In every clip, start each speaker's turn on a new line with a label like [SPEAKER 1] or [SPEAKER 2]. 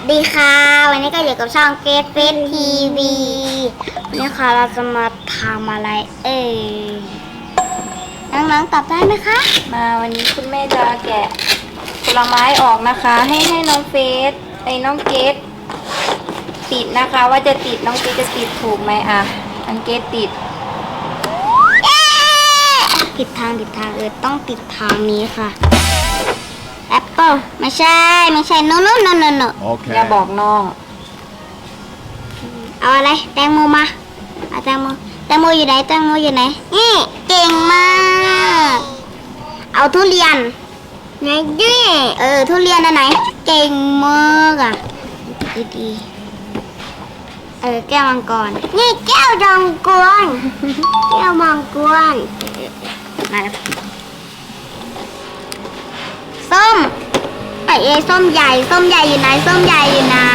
[SPEAKER 1] ดีค่ะวันนี้ก็อยู่กับช่องเกตเฟสทีวีนี่ค่ะเราจะมาทำอะไรน้องๆตอบได้ไหมคะ
[SPEAKER 2] มาวันนี้คุณแม่จะแกะผลไม้ออกนะคะ ให้น้องเฟสน้องเกตติดนะคะ ว่าจะติดน้องเกตจะติดถูกไหมอ่ะน้องเกตติด
[SPEAKER 1] ผิดทางต้องติดทางนี้ค่ะแอปเปิลไม่ใช่no
[SPEAKER 2] อย่าบอกน้อง
[SPEAKER 1] เอาอะไรแตงโมมาเอาแตงโมอยู่ไหนนี่เก่งมากเอาทุเรียนไหนดิทุเรียนอันไหนเก่งมากอ่ะดีแก้วมังกรนี่แก้วมังกรมาแล้วส้มส้มใหญ่อยู่ไหนนี่ส้มใหญ่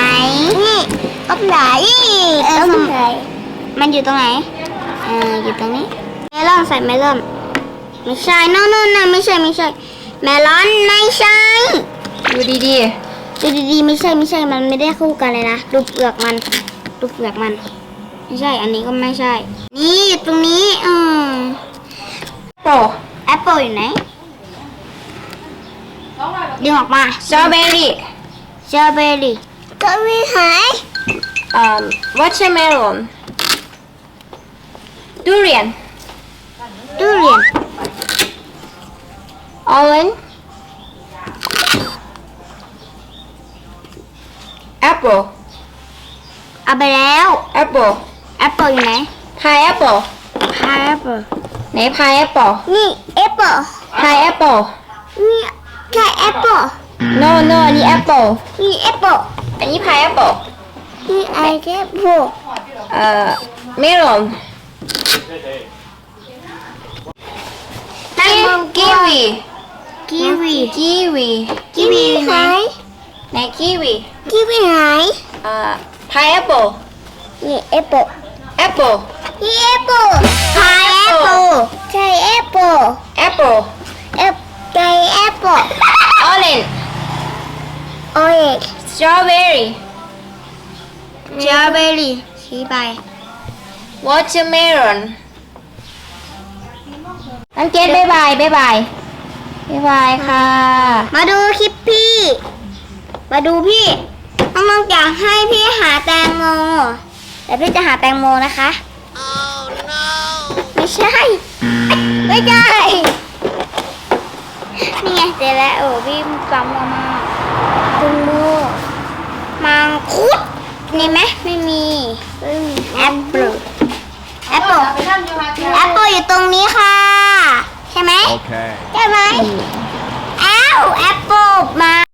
[SPEAKER 1] มันอยู่ตรงไหนอยู่ตรงนี้เมลอนใส่เมลอนไม่ใช่ no ไม่ใช่เมลอนไม่ใช่
[SPEAKER 2] ดูดี
[SPEAKER 1] ไม่ใช่มันไม่ได้คู่กันเลยนะดูเปลือกมันไม่ใช่อันนี้ก็ไม่ใช่นี่อยู่ตรงนี้แอปเปิลอยู่ไหนดึงออกมา
[SPEAKER 2] สตรอเบอรี่
[SPEAKER 1] ก็ไม่หายว
[SPEAKER 2] อเตอร์เมลอนดูเรียนออเรนจ์แอปเปิล
[SPEAKER 1] เอาไปแล้ว
[SPEAKER 2] แอปเปิล
[SPEAKER 1] อยู่ไหน
[SPEAKER 2] พายแอปเปิลไหนพายแอปเปิล
[SPEAKER 1] นี่แอปเปิล
[SPEAKER 2] พายแอปเปิล
[SPEAKER 1] นี่ใช่แอปเปิล
[SPEAKER 2] no อันนี้แอปเปิล
[SPEAKER 1] นี่แอปเปิล
[SPEAKER 2] อันนี้พายแอปเปิล
[SPEAKER 1] นี่ไอแอปเปิล
[SPEAKER 2] เมลอนกีวี
[SPEAKER 1] ไหน
[SPEAKER 2] ไหนกีวี
[SPEAKER 1] ไหน
[SPEAKER 2] พายแอปเปิล
[SPEAKER 1] นี่แอปเปิลนี่แอปเปิลพายแอปเปิลใช่แอปเปิลใช่แอปเปิล
[SPEAKER 2] ออเรนจ์สตรอเบอรี่
[SPEAKER 1] ชี้ไป
[SPEAKER 2] วอเตอร์เมลอนน้องเกดบ๊ายบายค่ะ
[SPEAKER 1] มาดูคลิปพี่น้องๆอยากให้พี่หาแตงโมแต่พี่จะหาแตงโมนะคะไม่ใช่นี่ไงเจอแล้วพี่ปั๊มมาคุณลูกมังคุดนี่ไหมไม่มีแอปเปิลอยู่ตรงนี้ค่ะใช่ไหมใช่ไหมแอปเปิลมา